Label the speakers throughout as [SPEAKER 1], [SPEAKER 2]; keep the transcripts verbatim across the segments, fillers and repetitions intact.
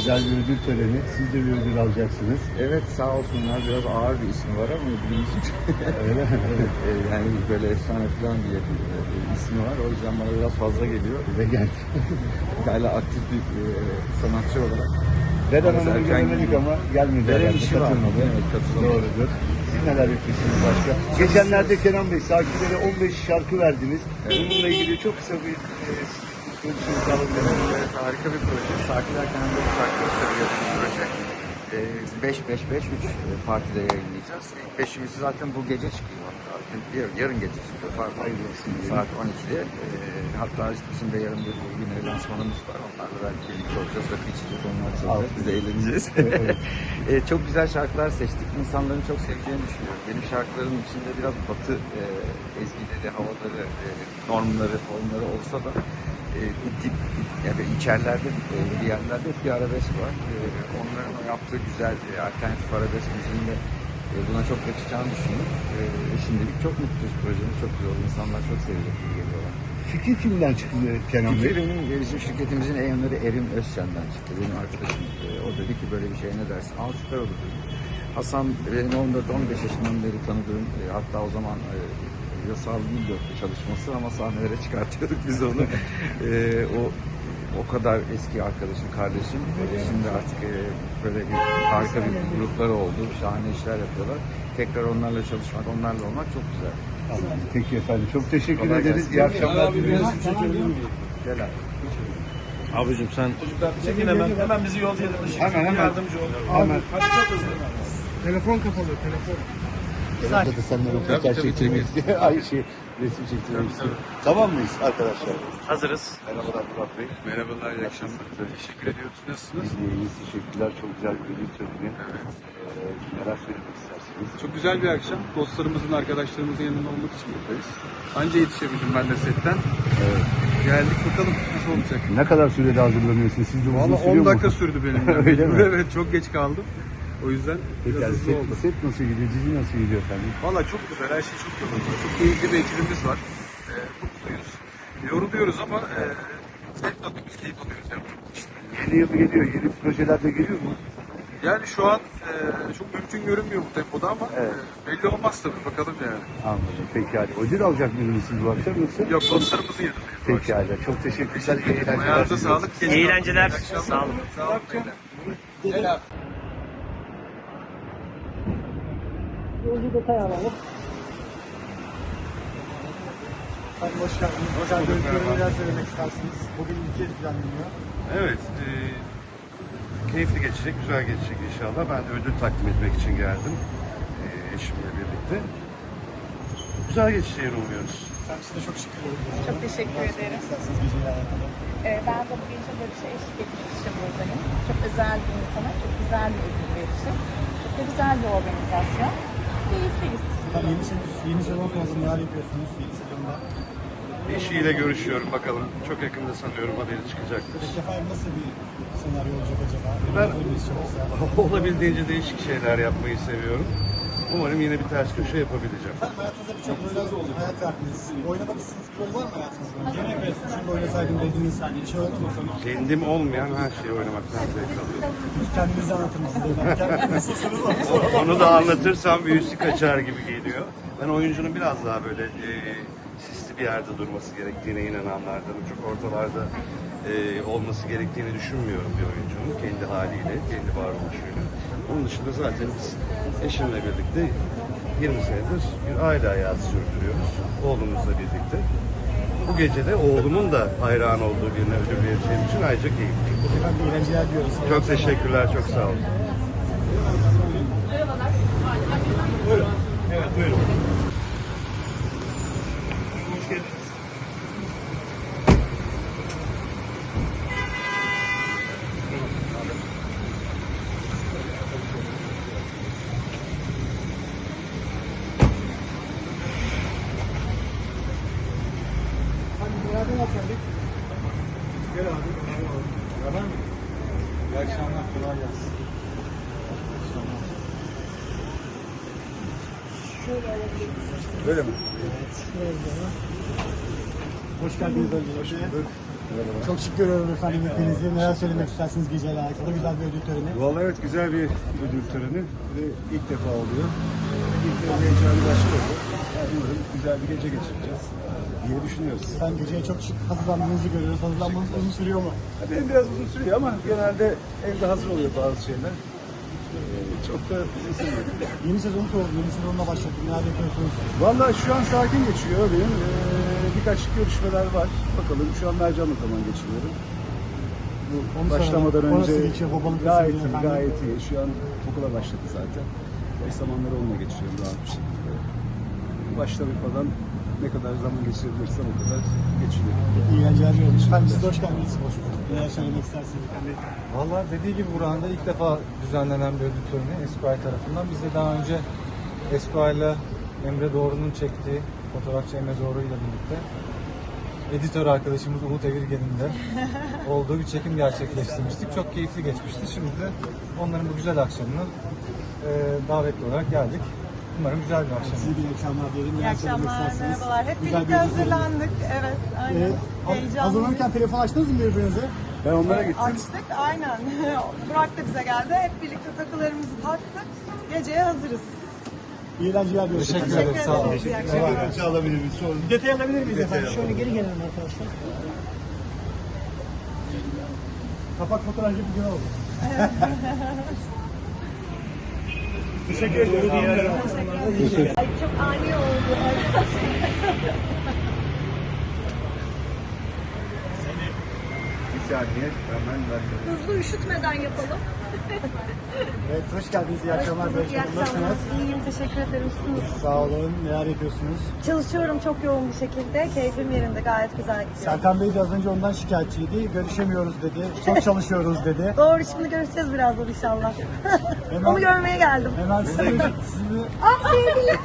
[SPEAKER 1] güzel bir ödül töreni. Siz de bir ödül alacaksınız.
[SPEAKER 2] Evet, sağ olsunlar. Biraz ağır bir ismi var ama ödülümüzün
[SPEAKER 1] Öyle mi? Evet.
[SPEAKER 2] e, yani böyle efsane falan diye bir e, ismi var. O yüzden bana biraz fazla geliyor.
[SPEAKER 1] Ve geldi.
[SPEAKER 2] Hala aktif bir e, sanatçı olarak.
[SPEAKER 1] Deden
[SPEAKER 2] Biraz
[SPEAKER 1] Hanım'ı
[SPEAKER 2] erken
[SPEAKER 1] göremedik
[SPEAKER 2] gidiyor.
[SPEAKER 1] ama gelmedi.
[SPEAKER 2] Deren
[SPEAKER 1] herhalde,
[SPEAKER 2] işi var.
[SPEAKER 1] katılmadı.
[SPEAKER 2] Evet, katılamadı.
[SPEAKER 1] Doğrudur. Siz neler yapıyorsunuz başka? Geçenlerde Kenan Bey, Sakilere on beş şarkı verdiniz. Bununla ilgili çok kısa bir e, görüşünüzü alabilirim.
[SPEAKER 2] Evet, harika bir proje. Sakiler kendi şarkıları söylüyor bir proje. beş beş beş üç partide yayınlayacağız. İlk beşimizi zaten bu gece çıkıyor. Hatta. Yarın, yarın gece çıkıyor. Pardon.
[SPEAKER 1] Hayırlı olsun.
[SPEAKER 2] Saat on ikide. E, hatta bizim de yarın bir yine lansmanımız var. Onlarla belki birlikte olacağız. Rakı içeceğiz. Onlar çalacak. Biz de eğleneceğiz.
[SPEAKER 1] Evet.
[SPEAKER 2] e, çok güzel şarkılar seçtik. İnsanların çok seveceğini düşünüyorum. Benim şarkılarım içinde biraz batı e, ezgileri, havaları, e, normları, formları olsa da e, bir dip, yani içerlerde, e, bir yerlerde hep bir arabesk var. E, onların o yaptığı güzel e, alternatif arabesk müziğinde e, buna çok yakışacağını düşünüyorum. E, şimdilik çok mutluyuz. Projemiz çok güzel oldu. İnsanlar çok sevecek gibi geliyorlar.
[SPEAKER 1] Fikir kimden çıktı Kenan Bey?
[SPEAKER 2] Fikri benim, e, bizim şirketimizin eyanları Erim Özçen'den çıktı. Benim arkadaşım. E, o dedi ki böyle bir şey ne dersin? Aa, süper olur dedi. Hasan benim on dört on beş yaşından beri tanıdığım, e, hatta o zaman e, yasal değil yoktu çalışması ama sahnelere çıkartıyorduk biz onu. e, o o kadar eski arkadaşım, kardeşim. E, şimdi artık e, böyle bir harika bir grupları oldu. Şahane işler yapıyorlar. Tekrar onlarla çalışmak, onlarla olmak çok güzel.
[SPEAKER 1] Anladım. Peki efendim. Çok teşekkür
[SPEAKER 2] Kolay
[SPEAKER 1] ederiz.
[SPEAKER 2] gelsin.
[SPEAKER 1] İyi akşamlar diliyoruz.
[SPEAKER 2] Gel abi.
[SPEAKER 3] Abicim sen çekin hemen. Hemen bizi yolcu edin.
[SPEAKER 1] Hemen, hemen.
[SPEAKER 3] Yardımcı ol.
[SPEAKER 1] Hemen.
[SPEAKER 3] Hadi çok hızlı.
[SPEAKER 4] Telefon kapalı, telefon.
[SPEAKER 1] Burada da senden röportaj çektirmek istiyor. Ay şey, resim çektirmek istiyor. Tamam mıyız arkadaşlar?
[SPEAKER 3] Hazırız.
[SPEAKER 1] Merhabalar Murat Bey.
[SPEAKER 3] Merhabalar, iyi akşamlar. Teşekkür ediyoruz. Nasılsınız?
[SPEAKER 1] Biz de iyiyiz. Teşekkürler. Çok güzel bir ödül töreni. Evet. Ee, neler söylemek istersiniz?
[SPEAKER 4] Çok güzel bir akşam. Dostlarımızın, arkadaşlarımızın yanında olmak için buradayız. Anca yetişebildim ben de setten.
[SPEAKER 1] Evet.
[SPEAKER 4] Geldik bakalım nasıl olacak.
[SPEAKER 1] Ne kadar sürede hazırlanıyorsunuz? Siz de uzun
[SPEAKER 4] Valla
[SPEAKER 1] sürüyor
[SPEAKER 4] on dakika
[SPEAKER 1] mu?
[SPEAKER 4] sürdü benim. Yani.
[SPEAKER 1] Öyle mi?
[SPEAKER 4] Evet, çok geç kaldım. O yüzden
[SPEAKER 1] Peki
[SPEAKER 4] biraz
[SPEAKER 1] yani
[SPEAKER 4] hızlı
[SPEAKER 1] set,
[SPEAKER 4] oldu.
[SPEAKER 1] set nasıl gidiyor? Dizi nasıl gidiyor efendim?
[SPEAKER 4] Valla çok güzel, her şey çok yolunda. Çok keyifli bir ekibimiz var. Ee, mutluyuz. Yoruluyoruz ama e, zevk alıyoruz, keyif alıyoruz. Yani.
[SPEAKER 1] Yeni yıl geliyor. Yeni projeler de geliyor mu?
[SPEAKER 4] Yani şu an e, çok mümkün görünmüyor bu tempoda ama
[SPEAKER 1] Evet.
[SPEAKER 4] e, belli olmaz tabii, bakalım yani.
[SPEAKER 1] Anladım. Peki hadi. Ödül alacak mıydınız siz bu akşam yoksa?
[SPEAKER 4] Yok, dostlarımızın yanındayız. bu
[SPEAKER 1] Peki
[SPEAKER 4] akşam.
[SPEAKER 1] hadi. Çok teşekkürler. İyi eğlenceler.
[SPEAKER 4] Ayağınıza
[SPEAKER 1] diliyoruz.
[SPEAKER 4] sağlık. geç
[SPEAKER 3] İyi
[SPEAKER 4] kaldık.
[SPEAKER 3] eğlenceler.
[SPEAKER 4] İyi akşamlar.
[SPEAKER 3] Sağ olun.
[SPEAKER 4] Sağ olun. beyler. Gel abi.
[SPEAKER 5] Yolcu detay alalım. Hadi hoş geldiniz. Hocam görüntüleri neler söylemek istersiniz? Bugün ilk kez düzenleniyor.
[SPEAKER 6] Evet, e, keyifli geçecek, güzel geçecek inşallah. Ben de ödül takdim etmek için geldim e, eşimle birlikte. Güzel geçeceğini umuyoruz.
[SPEAKER 5] Sen size çok şükür ederim.
[SPEAKER 7] Çok teşekkür ederim.
[SPEAKER 5] Siz bizimle alakalı.
[SPEAKER 7] Ee, ben de bu gece barışa eşlik etmek için buradayım. Çok özel bir insana, çok güzel bir ödül verişi. Çok da güzel bir organizasyon. Keyifliyiz.
[SPEAKER 5] Tabii yeni, sezon- yeni sezon sonrası neler yapıyorsunuz yeni sezonda?
[SPEAKER 6] Eşiyle görüşüyorum bakalım. Çok yakında sanıyorum haberi çıkacaktır.
[SPEAKER 5] Peki efendim nasıl bir senaryo olacak acaba?
[SPEAKER 6] Ben-
[SPEAKER 5] Öyle mi istiyorsa?
[SPEAKER 6] Olabildiğince değişik şeyler yapmayı seviyorum. Umarım yine bir ters köşe yapabileceğim.
[SPEAKER 5] Efendim hayatınızda birçok rol hayat verdiniz. Oynamak istediğiniz bir rol var mı hayatınızda? Yine evet. Şimdi oynasaydım dediğiniz bir şey oldu mu?
[SPEAKER 6] Kendim olmayan her şeyi oynamaktan zevk alıyorum.
[SPEAKER 5] Kendinizi anlatır mısınız? Kendiniz nasılsınız? Onu soralım.
[SPEAKER 6] Onu da anlatırsam büyüsü kaçar gibi geliyor. Ben oyuncunun biraz daha böyle e, sisli bir yerde durması gerektiğine inananlardanım. Çok ortalarda e, olması gerektiğini düşünmüyorum bir oyuncunun. Kendi haliyle, kendi varoluşuyla. Onun dışında zaten biz eşimle birlikte yirmi senedir bir aile hayatı sürdürüyoruz. Oğlumuzla birlikte. Bu gece de oğlumun da hayran olduğu birine ödül vereceğim için ayrıca keyifliyim.
[SPEAKER 5] Efendim iyi eğlenceler diyoruz.
[SPEAKER 6] Çok teşekkürler, çok sağ olun.
[SPEAKER 4] Evet, buyurun.
[SPEAKER 5] Hadi beraber yapalım. Gel abi. Beraber mi? İyi akşamlar. Kolay gelsin. Şöyle alabilirsiniz.
[SPEAKER 1] Öyle mi?
[SPEAKER 5] Evet. Hoş geldiniz önce. Hoş bulduk. Çok şık görüyorum efendim hepinizi. Neler söylemek istersiniz geceyle alakalı? Güzel bir ödül töreni.
[SPEAKER 8] Vallahi evet güzel bir ödül töreni ve ilk defa oluyor. İlk de heyecanı başka oldu. Yani umarım güzel bir gece geçireceğiz diye düşünüyoruz.
[SPEAKER 5] Ben geceye çok şık hazırlandığınızı görüyoruz. Hazırlanmanız uzun sürüyor mu?
[SPEAKER 8] Ya benim biraz uzun sürüyor ama genelde evde hazır oluyor bazı şeyler. Ee, çok da uzun sürüyor.
[SPEAKER 5] Yeni sezonu sordu. Yeni sezonuna başladık. Neler yapıyorsunuz?
[SPEAKER 8] Vallahi şu an sakin geçiyor benim. Ee, birkaç görüşmeler var. Bakalım şu an Mercan'la zaman geçiriyorum. Bu
[SPEAKER 5] Onu
[SPEAKER 8] başlamadan
[SPEAKER 5] soralım.
[SPEAKER 8] önce
[SPEAKER 5] Orası geçiyor, babalık
[SPEAKER 8] gayet
[SPEAKER 5] nasıl
[SPEAKER 8] iyi,
[SPEAKER 5] gidiyor efendim?
[SPEAKER 8] gayet iyi. Şu an okula başladı zaten. Boş zamanları onunla geçiriyorum rahat bir şekilde. Başladıkmadan ne kadar zaman geçirebilirsem o kadar geçiriyorum.
[SPEAKER 5] İyi eğlenceler diliyorum. Efendim siz de hoş geldiniz. Hoş bulduk. Neler söylemek istersiniz efendim?
[SPEAKER 9] Valla dediği gibi Burhan'da ilk defa düzenlenen bir ödül töreni Esquire tarafından. Biz de daha önce Esquire'la Emre Doğru'nun çektiği, fotoğrafçı Emre Doğru ile birlikte editör arkadaşımız Umut Evirgen'in de olduğu bir çekim gerçekleştirmiştik. Çok keyifli geçmişti. Şimdi de onların bu güzel akşamına e, davetli olarak geldik. Umarım güzel bir akşam.
[SPEAKER 5] Size iyi akşamlar diyelim.
[SPEAKER 7] İyi
[SPEAKER 5] Neler söylemek
[SPEAKER 7] akşamlar,
[SPEAKER 5] istersiniz?
[SPEAKER 7] merhabalar. Hep
[SPEAKER 5] Güzel bir
[SPEAKER 7] birlikte
[SPEAKER 5] ödül töreni.
[SPEAKER 7] hazırlandık. Evet, aynen.
[SPEAKER 5] Ee, ha-
[SPEAKER 7] Heyecanlıyız.
[SPEAKER 5] hazırlanırken telefon açtınız mı birbirinize?
[SPEAKER 8] Ben onlara gittim.
[SPEAKER 7] Açtık, aynen. Burak da bize geldi. Hep birlikte takılarımızı taktık. Geceye hazırız.
[SPEAKER 5] İyi eğlenceler diliyorum.
[SPEAKER 9] Teşekkür
[SPEAKER 7] Teşekkür
[SPEAKER 9] ederim. Sağ olun.
[SPEAKER 7] ederiz. İyi akşamlar.
[SPEAKER 1] Detay alabilir miyiz? Sonra
[SPEAKER 5] Bir detay alabilir miyiz efendim? Şöyle geri gelelim arkadaşlar. Kapak fotoğrafı bir gün oldu. Teşekkür ediyorum.
[SPEAKER 7] Ay, çok ani oldu.
[SPEAKER 1] bir saniye hemen ben
[SPEAKER 7] Hızlı üşütmeden yapalım.
[SPEAKER 5] Evet, hoş geldiniz. İyi akşamlar.
[SPEAKER 7] İyi akşamlar.
[SPEAKER 5] Nasılsınız?
[SPEAKER 7] İyiyim, teşekkür ederim. Siz?
[SPEAKER 5] Sağ olun. Neler yapıyorsunuz?
[SPEAKER 7] Çalışıyorum çok yoğun bir şekilde. Keyfim yerinde, gayet güzel gidiyor.
[SPEAKER 5] Serkan Bey de az önce ondan şikayetçiydi. Görüşemiyoruz dedi. Çok çalışıyoruz dedi.
[SPEAKER 7] Doğru, şimdi görüşeceğiz birazdan inşallah.
[SPEAKER 5] Hemen-
[SPEAKER 7] Onu görmeye geldim.
[SPEAKER 5] Hemen sizi, sizi,
[SPEAKER 7] Ah sevgilim.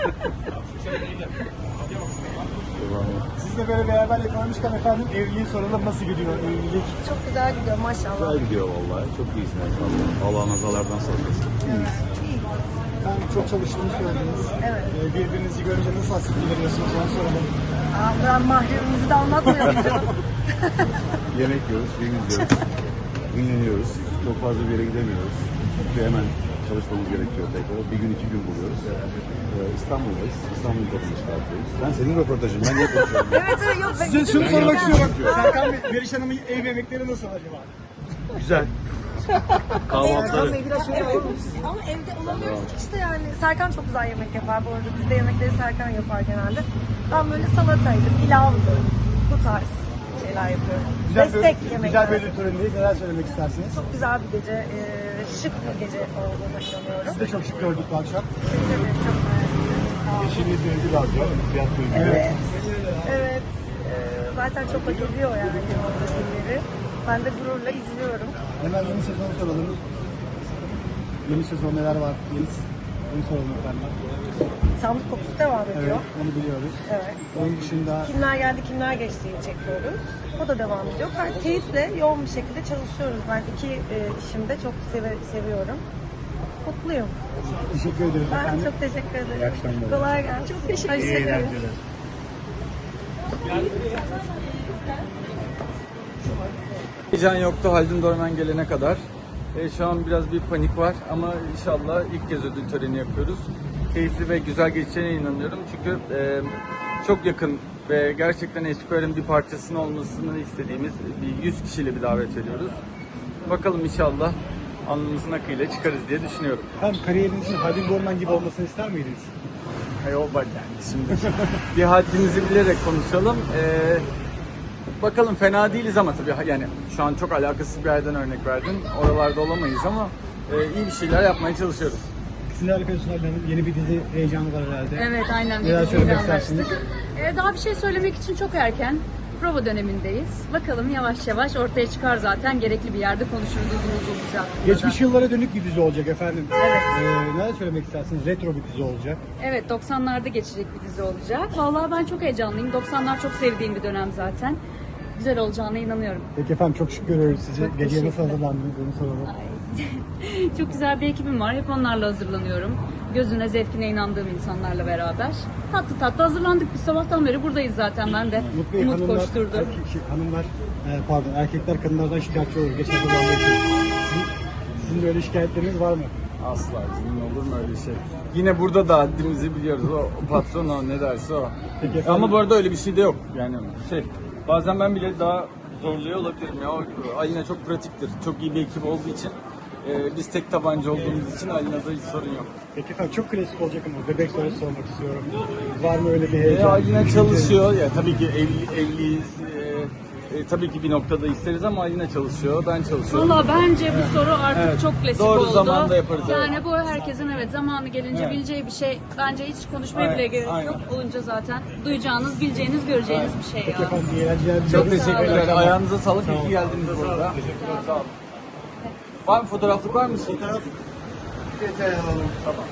[SPEAKER 5] sizle böyle beraber yakalamışken efendim evliliği soralım. Nasıl gidiyor evlilik?
[SPEAKER 7] Çok güzel gidiyor maşallah.
[SPEAKER 3] Güzel gidiyor vallahi. Çok iyisin maşallah. Allah nazalardan saklasın.
[SPEAKER 5] Ben çok çalıştığını söylediniz.
[SPEAKER 7] Evet.
[SPEAKER 5] Ee, birbirinizi görünce nasıl hasretli veriyorsunuz onu soralım.
[SPEAKER 7] Aa, ben mahremimizi de anlatmıyorum canım.
[SPEAKER 3] Yemek yiyoruz, film izliyoruz. Dinleniyoruz. Çok fazla bir yere gidemiyoruz. Çünkü hemen çalışmamız gerekiyor tekrar. Bir gün iki gün buluyoruz. Ee, İstanbul'dayız. İstanbul kapını çıkartıyoruz. Ben senin röportajın. Ben niye konuşuyorum?
[SPEAKER 7] Evet evet yok. ben-
[SPEAKER 5] Size şunu
[SPEAKER 3] Ben
[SPEAKER 5] sormak
[SPEAKER 3] yaptım.
[SPEAKER 5] istiyorum. Serkan Bey, Meriç Hanım'ın ev yemekleri nasıl acaba?
[SPEAKER 3] Güzel. Kahvaltıları.
[SPEAKER 7] Evde biraz şöyle olur. Ama evde olamıyoruz ki işte yani. Serkan çok güzel yemek yapar bu arada. Bizde yemekleri Serkan yapar genelde. Ben böyle salataydı, pilavdı. Bu tarz şeyler yapıyorum. Destek
[SPEAKER 5] bir,
[SPEAKER 7] yemekler.
[SPEAKER 5] güzel bir ödül törenindeyiz. Neler söylemek istersiniz?
[SPEAKER 7] Çok güzel bir gece, e, şık bir gece olduğuna inanıyorum.
[SPEAKER 5] Siz de çok şık gördük bu akşam.
[SPEAKER 7] Evet, çok mersi. Sağ olun.
[SPEAKER 1] eşiniz de ödül alacak. Fiyat ödülü.
[SPEAKER 7] Evet, evet. E, zaten çok hak ediyor yani o ödülleri. Ben de gururla izliyorum.
[SPEAKER 5] Hemen yeni sezonu soralım. Yeni sezon neler var? Yeni, onu soralım efendim.
[SPEAKER 7] Sandık kokusu devam ediyor.
[SPEAKER 5] Evet, onu biliyoruz.
[SPEAKER 7] Evet.
[SPEAKER 5] Onun dışında
[SPEAKER 7] Kimler geldi, kimler geçtiği çekiyoruz. O da devam ediyor. Ben keyifle, yoğun bir şekilde çalışıyoruz. Ben iki e, işimi de çok seve, seviyorum. Mutluyum.
[SPEAKER 5] teşekkür ederiz
[SPEAKER 7] Ben
[SPEAKER 5] efendim.
[SPEAKER 7] çok teşekkür ederim.
[SPEAKER 5] İyi akşamlar.
[SPEAKER 7] Kolay gelsin. Çok teşekkür ederim.
[SPEAKER 2] Heyecan yoktu Haldun Dorman gelene kadar. E, şu an biraz bir panik var ama inşallah ilk kez ödül töreni yapıyoruz. Keyifli ve güzel geçeceğine inanıyorum çünkü e, çok yakın ve gerçekten Esquire'ın bir parçasının olmasını istediğimiz bir yüz kişiyle bir davet ediyoruz. Bakalım inşallah alnımızın akıyla çıkarız diye düşünüyorum.
[SPEAKER 5] Efendim kariyerinizin Haldun Dorman gibi olmasını ister miydiniz?
[SPEAKER 2] Hay o bak yani şimdi bir haddimizi bilerek konuşalım. Ee, bakalım fena değiliz ama tabii yani şu an çok alakasız bir yerden örnek verdin. Oralarda olamayız ama e, iyi bir şeyler yapmaya çalışıyoruz.
[SPEAKER 5] Siz neler yapıyorsunuz Haldun Hanım? Yeni bir dizi heyecanı var herhalde.
[SPEAKER 10] Evet aynen.
[SPEAKER 5] Neler
[SPEAKER 10] Bir
[SPEAKER 5] söylemek
[SPEAKER 10] diziyle
[SPEAKER 5] istersiniz?
[SPEAKER 10] anlaştık. Ee, daha bir şey söylemek için çok erken. Prova dönemindeyiz. Bakalım yavaş yavaş ortaya çıkar zaten. Gerekli bir yerde konuşuruz uzun uzun bize hakkında da.
[SPEAKER 5] Geçmiş yıllara dönük bir dizi olacak efendim.
[SPEAKER 10] Evet.
[SPEAKER 5] Ee, neler söylemek istersiniz? Retro bir dizi olacak.
[SPEAKER 10] Evet doksanlarda geçecek bir dizi olacak. Vallahi ben çok heyecanlıyım. doksanlar çok sevdiğim bir dönem zaten. Güzel olacağına inanıyorum.
[SPEAKER 5] Peki efendim çok şık görüyoruz sizi.
[SPEAKER 10] Çok
[SPEAKER 5] Geceye nasıl
[SPEAKER 10] teşekkürler.
[SPEAKER 5] hazırlandınız onu soralım.
[SPEAKER 10] Çok güzel bir ekibim var. Hep onlarla hazırlanıyorum. Gözüne, zevkine inandığım insanlarla beraber. Tatlı tatlı hazırlandık. Biz sabahtan beri buradayız zaten ben de.
[SPEAKER 5] Mutlu Bey,
[SPEAKER 10] Umut
[SPEAKER 5] hanımlar,
[SPEAKER 10] koşturdu.
[SPEAKER 5] erkek- şey, hanımlar Ee, pardon, erkekler kadınlardan şikayetçi olur geçen zamanda için. Sizin, sizin de öyle şikayetleriniz var mı?
[SPEAKER 9] Asla bizim olur mu öyle şey? Yine burada da haddimizi biliyoruz. O, o patron o ne derse o.
[SPEAKER 5] Peki efendim.
[SPEAKER 9] Ama bu arada öyle bir şey de yok. Yani şey bazen ben bile daha zorluyor olabilirim ya. O, Alina çok pratiktir. Çok iyi bir ekip olduğu için. e, biz tek tabanca olduğumuz için Alina'da hiç sorun yok.
[SPEAKER 5] Peki efendim, çok klasik olacak ama bebek sorusu sormak istiyorum. Var mı öyle bir
[SPEAKER 9] E,
[SPEAKER 5] heyecan?
[SPEAKER 9] Alina çalışıyor. Ya tabii ki evli, evliyiz. E, e, tabii ki bir noktada isteriz ama Alina çalışıyor. Ben çalışıyorum.
[SPEAKER 10] Valla bence bu soru artık
[SPEAKER 9] Evet,
[SPEAKER 10] çok klasik
[SPEAKER 9] doğru
[SPEAKER 10] oldu.
[SPEAKER 9] zamanda yaparız,
[SPEAKER 10] Yani
[SPEAKER 9] evet.
[SPEAKER 10] bu herkesin evet zamanı gelince
[SPEAKER 9] Evet.
[SPEAKER 10] bileceği bir şey. Bence hiç konuşmaya
[SPEAKER 9] Aynen,
[SPEAKER 10] bile gerek yok.
[SPEAKER 9] aynen.
[SPEAKER 10] Olunca zaten duyacağınız, bileceğiniz, göreceğiniz bir şey
[SPEAKER 5] Peki
[SPEAKER 10] ya.
[SPEAKER 5] efendim, iyi eğlenceler
[SPEAKER 9] Çok
[SPEAKER 5] diliyorum.
[SPEAKER 9] teşekkürler.
[SPEAKER 5] Sağ olun.
[SPEAKER 9] Ayağınıza sağlık. İyi ki geldiniz burada. Sağ olun. Var mı fotoğraflık var mı? Fotoğraf.
[SPEAKER 5] Detay alalım.
[SPEAKER 9] Tamam.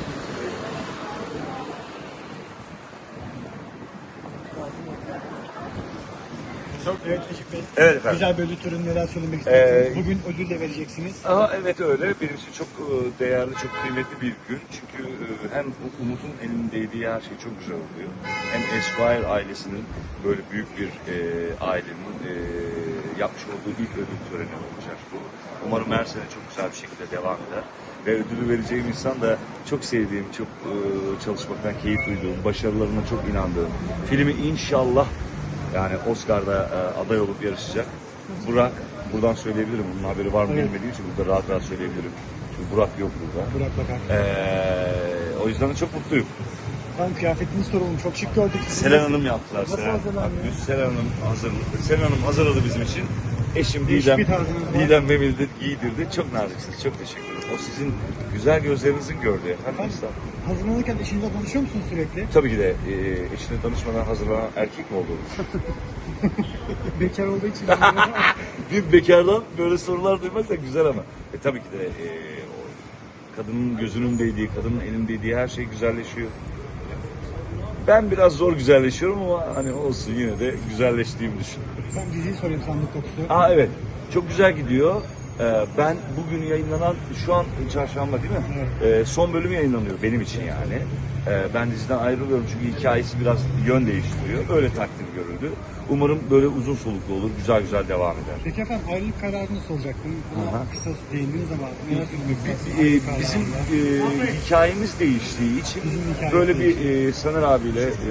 [SPEAKER 5] Evet Eşik Bey.
[SPEAKER 6] Evet efendim.
[SPEAKER 5] Güzel bir ödül töreni, neler söylemek istersiniz?
[SPEAKER 6] Ee,
[SPEAKER 5] Bugün ödül de vereceksiniz.
[SPEAKER 6] Aha, evet öyle. Benim için çok e, değerli, çok kıymetli bir gün. Çünkü e, hem Umut'un elindeydiği her şey çok güzel oluyor. Hem Esquire ailesinin böyle büyük bir e, ailenin e, yapmış olduğu ilk ödül töreni olacak bu. Umarım her sene çok güzel bir şekilde devam eder. Ve ödülü vereceğim insan da çok sevdiğim, çok e, çalışmaktan keyif duyduğum, başarılarına çok inandığım. Filmi inşallah yani Oscar'da e, aday olup yarışacak. Burak, buradan söyleyebilirim. Bunun haberi var mı
[SPEAKER 5] Evet.
[SPEAKER 6] bilmediğim için burada rahat rahat söyleyebilirim. Çünkü Burak yok burada.
[SPEAKER 5] Burak Bakar.
[SPEAKER 6] Ee, o yüzden de çok mutluyum.
[SPEAKER 5] Ben kıyafetinizi soralım. Çok şık gördük sizi.
[SPEAKER 6] Selen Hanım yaptılar.
[SPEAKER 5] Nasıl
[SPEAKER 6] Selen,
[SPEAKER 5] hazırlandı?
[SPEAKER 6] Bak, Selen Hanım hazırladı. Selen Hanım hazırladı bizim için. Eşim
[SPEAKER 5] Değişik
[SPEAKER 6] Didem,
[SPEAKER 5] bir tarzınız var.
[SPEAKER 6] Didem ve Milde giydirdi. Çok naziksiniz. Çok teşekkür ederim. O sizin güzel gözlerinizin gördüğü efendim.
[SPEAKER 5] Efendim,
[SPEAKER 6] Estağfurullah.
[SPEAKER 5] hazırlanırken eşinizle konuşuyor musunuz sürekli?
[SPEAKER 6] Tabii ki de e, eşine danışmadan hazırlanan erkek mi olur?
[SPEAKER 5] Bekar olduğu için.
[SPEAKER 6] Bir bekardan böyle sorular duymak da güzel ama. E, tabii ki de e, o kadının gözünün değdiği, kadının elinin değdiği her şey güzelleşiyor. Ben biraz zor güzelleşiyorum ama hani olsun yine de güzelleştiğimi düşünüyorum.
[SPEAKER 5] Ben diziyi sorayım, sandık kokusu.
[SPEAKER 6] Aa evet, çok güzel gidiyor. Ee, ben bugün yayınlanan, şu an çarşamba değil mi? Ee, son bölüm yayınlanıyor benim için yani. Ee, ben diziden ayrılıyorum çünkü hikayesi biraz yön değiştiriyor. Öyle takdir görüldü. Umarım böyle uzun soluklu olur, güzel güzel devam eder.
[SPEAKER 5] Peki efendim, ayrılık kararını soracaktım. Buna
[SPEAKER 6] Aha.
[SPEAKER 5] kısa değindiniz ama neler söylemek istersiniz?
[SPEAKER 6] Ee,
[SPEAKER 5] ayrılık kararında?
[SPEAKER 6] bizim e, hikayemiz değiştiği için
[SPEAKER 5] Bizim hikayemiz
[SPEAKER 6] böyle bir e, Saner abiyle e,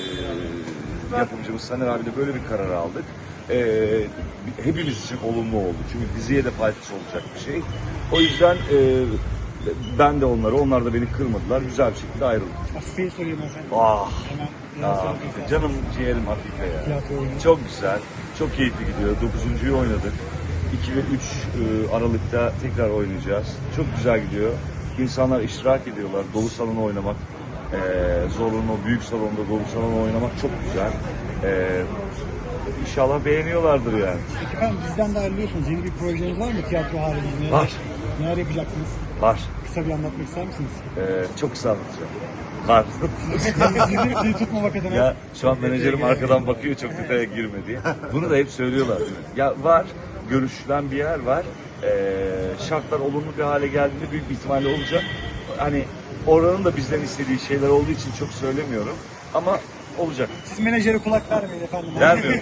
[SPEAKER 6] yapımcımız Saner abiyle böyle bir karar aldık. E, hepimiz için olumlu oldu. Çünkü diziye de faydası olacak bir şey. O yüzden e, ben de onları, onlar da beni kırmadılar. Güzel bir şekilde ayrıldık.
[SPEAKER 5] Afife'yi sorayım efendim.
[SPEAKER 6] Ah,
[SPEAKER 5] Hemen neler
[SPEAKER 6] ah
[SPEAKER 5] söylemek istersiniz?
[SPEAKER 6] canım ciğerim Afife ya.
[SPEAKER 5] Tiyatro oyunu.
[SPEAKER 6] Çok güzel, çok keyifli gidiyor. Dokuzuncuyu oynadık. iki ve üç Aralık'ta tekrar oynayacağız. Çok güzel gidiyor. İnsanlar iştirak ediyorlar. Dolu salonu oynamak, e, zorunlu, büyük salonda dolu salonu oynamak çok güzel. E, İnşallah beğeniyorlardır yani.
[SPEAKER 5] Peki efendim, bizden de ayrılıyorsunuz. Yeni bir projeniz var mı tiyatro haricinde?
[SPEAKER 6] Var.
[SPEAKER 5] Neler yapacaksınız?
[SPEAKER 6] Var.
[SPEAKER 5] Kısa bir anlatmak ister misiniz?
[SPEAKER 6] E, çok kısa anlatacağım. Var.
[SPEAKER 5] sizi, sizi tutmamak adına.
[SPEAKER 6] Ya şu an menajerim arkadan bakıyor çok detaya girme diye. Bunu da hep söylüyorlar değil mi? Ya var, görüşülen bir yer var. Ee, şartlar olumlu bir hale geldiğinde büyük bir ihtimalle olacak. Hani oranın da bizden istediği şeyler olduğu için çok söylemiyorum. Ama olacak.
[SPEAKER 5] Siz menajere kulak vermeyin efendim.
[SPEAKER 6] Vermiyorum.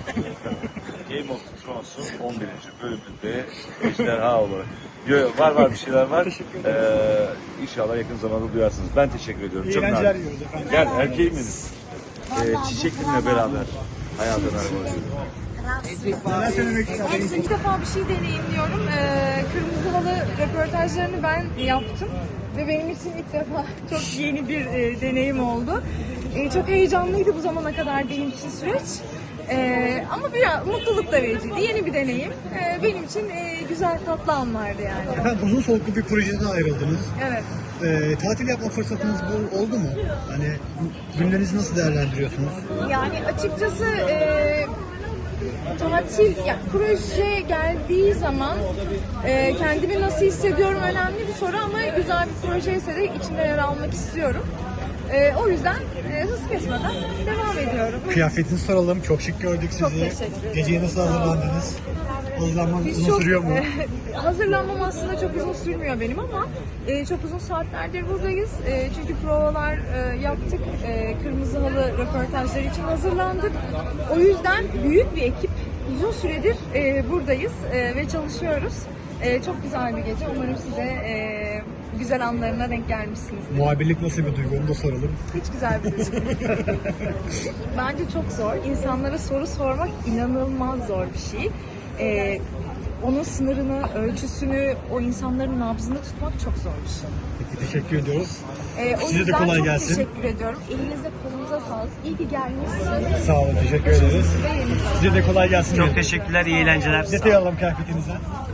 [SPEAKER 6] Game of Thrones'un on birinci bölümünde ejderha olarak. Yo, yo, var var bir şeyler var.
[SPEAKER 5] Teşekkür
[SPEAKER 6] Ee, inşallah yakın zamanda duyarsınız. Ben teşekkür ediyorum.
[SPEAKER 5] İyi
[SPEAKER 6] Çok
[SPEAKER 5] eğlenceler
[SPEAKER 6] nazik.
[SPEAKER 5] diliyoruz efendim.
[SPEAKER 6] Gel erkeğim benim. Ee, çiçeklimle beraber hayata merhaba diyorum.
[SPEAKER 5] Neler söylemek istersiniz?
[SPEAKER 7] İlk defa bir şey deneyimliyorum. Ee, Kırmızı Halı röportajlarını ben yaptım. Ve benim için ilk defa çok yeni bir e, deneyim oldu. E, çok heyecanlıydı bu zamana kadar benim için süreç. E, ama biraz mutluluk da vericiydi. Yeni bir deneyim. E, benim için e, güzel tatlı anlardı yani.
[SPEAKER 5] Efendim, uzun soluklu bir projeden ayrıldınız.
[SPEAKER 7] Evet.
[SPEAKER 5] Ee, tatil yapma fırsatınız bu oldu mu? Hani günlerinizi nasıl değerlendiriyorsunuz?
[SPEAKER 7] Yani açıkçası e, tatil, ya proje geldiği zaman e, kendimi nasıl hissediyorum önemli bir soru ama güzel bir projeyse de içinde yer almak istiyorum. E, o yüzden e, hız kesmeden devam ediyorum.
[SPEAKER 5] Kıyafetinizi soralım. Çok şık gördük sizi.
[SPEAKER 7] Çok teşekkür ederim.
[SPEAKER 5] Geceye nasıl hazırlandınız? Hazırlanmanız
[SPEAKER 7] Biz
[SPEAKER 5] uzun
[SPEAKER 7] çok,
[SPEAKER 5] sürüyor mu?
[SPEAKER 7] e, hazırlanmam aslında çok uzun sürmüyor benim ama e, çok uzun saatlerdir buradayız. E, çünkü provalar e, yaptık. E, Kırmızı Halı röportajları için hazırlandık. O yüzden büyük bir ekip
[SPEAKER 11] uzun süredir e, buradayız e, ve çalışıyoruz. E, çok güzel bir gece. Umarım size e, güzel anlarına denk gelmişsinizdir.
[SPEAKER 5] Muhabirlik nasıl bir duygu onu da soralım.
[SPEAKER 11] Hiç güzel bir duygu. Bence çok zor. İnsanlara soru sormak inanılmaz zor bir şey. E, onun sınırını, ölçüsünü, o insanların nabzını tutmak çok zor bir şey.
[SPEAKER 5] Peki teşekkür ediyoruz.
[SPEAKER 11] E, o
[SPEAKER 5] Size de
[SPEAKER 11] yüzden
[SPEAKER 5] kolay
[SPEAKER 11] çok
[SPEAKER 5] gelsin.
[SPEAKER 11] teşekkür ediyorum. Elinize kolunuza sağlık. İyi ki gelmişsiniz.
[SPEAKER 5] Sağ olun, teşekkür ederiz. Size de kolay gelsin.
[SPEAKER 12] Çok teşekkürler, iyi eğlenceler.
[SPEAKER 5] Detay alalım kıyafetinize.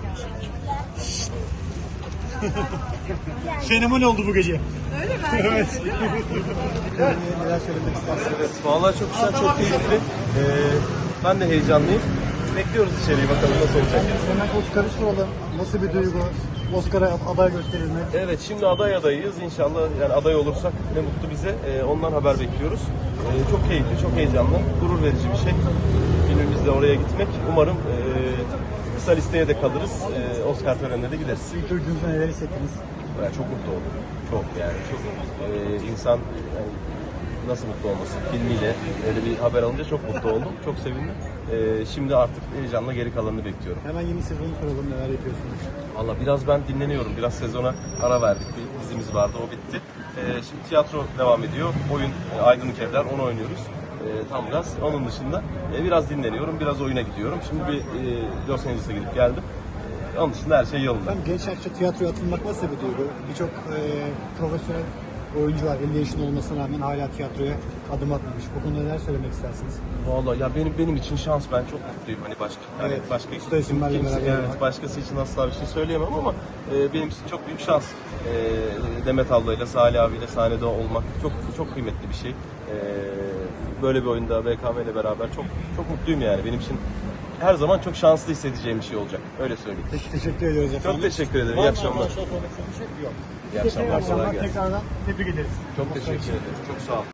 [SPEAKER 5] Fenomen oldu bu gece.
[SPEAKER 11] Öyle mi?
[SPEAKER 5] Evet. Neler söylemek istersiniz?
[SPEAKER 13] Evet, vallahi çok güzel, çok keyifli. Ee, ben de heyecanlıyım. Bekliyoruz içeriği, bakalım nasıl olacak.
[SPEAKER 5] Hemen Oscar'ı soralım. Nasıl bir duygu? Oscar'a aday gösterilmek.
[SPEAKER 13] Evet, şimdi aday adayıyız. İnşallah yani aday olursak ne mutlu bize. Ee, ondan haber bekliyoruz. Ee, çok keyifli, çok heyecanlı, gurur verici bir şey. Filmimizle oraya gitmek. Umarım e, kısa listeye de kalırız. E, Oscar törenine de gideriz.
[SPEAKER 5] İlk duyduğunuzda neler hissettiniz?
[SPEAKER 13] Ben çok mutlu oldum. Çok yani çok e, insan yani nasıl mutlu olmasın filmiyle öyle bir haber alınca çok mutlu oldum. Çok sevindim. E, şimdi artık heyecanla geri kalanını bekliyorum.
[SPEAKER 5] Hemen yeni sezonu soralım, neler yapıyorsunuz?
[SPEAKER 13] Valla biraz ben dinleniyorum. Biraz sezona ara verdik. Bir dizimiz vardı, o bitti. E, şimdi tiyatro devam ediyor. Oyun e, Aydınlık Evler, onu oynuyoruz. E, tam gaz. Onun dışında e, biraz dinleniyorum, biraz oyuna gidiyorum. Şimdi bir e, Los Angeles'a gidip geldim. E, onun dışında her şey yolunda.
[SPEAKER 5] Hem genç yaşta tiyatroya atılmak nasıl bir duygu? Birçok e, profesyonel oyuncu var. elli yaşında olmasına rağmen hala tiyatroya adım atmamış. Bu konuda neler söylemek istersiniz?
[SPEAKER 13] Vallahi ya benim benim için şans, ben çok mutluyum hani başka hani
[SPEAKER 5] Evet,
[SPEAKER 13] başka
[SPEAKER 5] usta isimlerle
[SPEAKER 13] kimse-
[SPEAKER 5] beraber
[SPEAKER 13] evet
[SPEAKER 5] olmak.
[SPEAKER 13] başkası için asla bir şey söyleyemem ama e, benim için çok büyük şans. E, Demet ablayla, Salih abiyle sahnede olmak çok çok kıymetli bir şey. E, böyle bir oyunda B K M ile beraber çok çok mutluyum yani. Benim için her zaman çok şanslı hissedeceğim bir şey olacak. Öyle söyleyeyim.
[SPEAKER 5] Peki, teşekkür ediyoruz efendim.
[SPEAKER 13] Çok teşekkür ederim.
[SPEAKER 5] Var
[SPEAKER 13] İyi
[SPEAKER 5] mı
[SPEAKER 13] akşamlar.
[SPEAKER 5] arkadaşlar sormak istediğiniz bir şey? Yok.
[SPEAKER 13] İyi akşamlar. Kolay gelsin.
[SPEAKER 5] Tekrardan tebrik ederiz.
[SPEAKER 13] Çok teşekkür ederim. Çok sağ olun.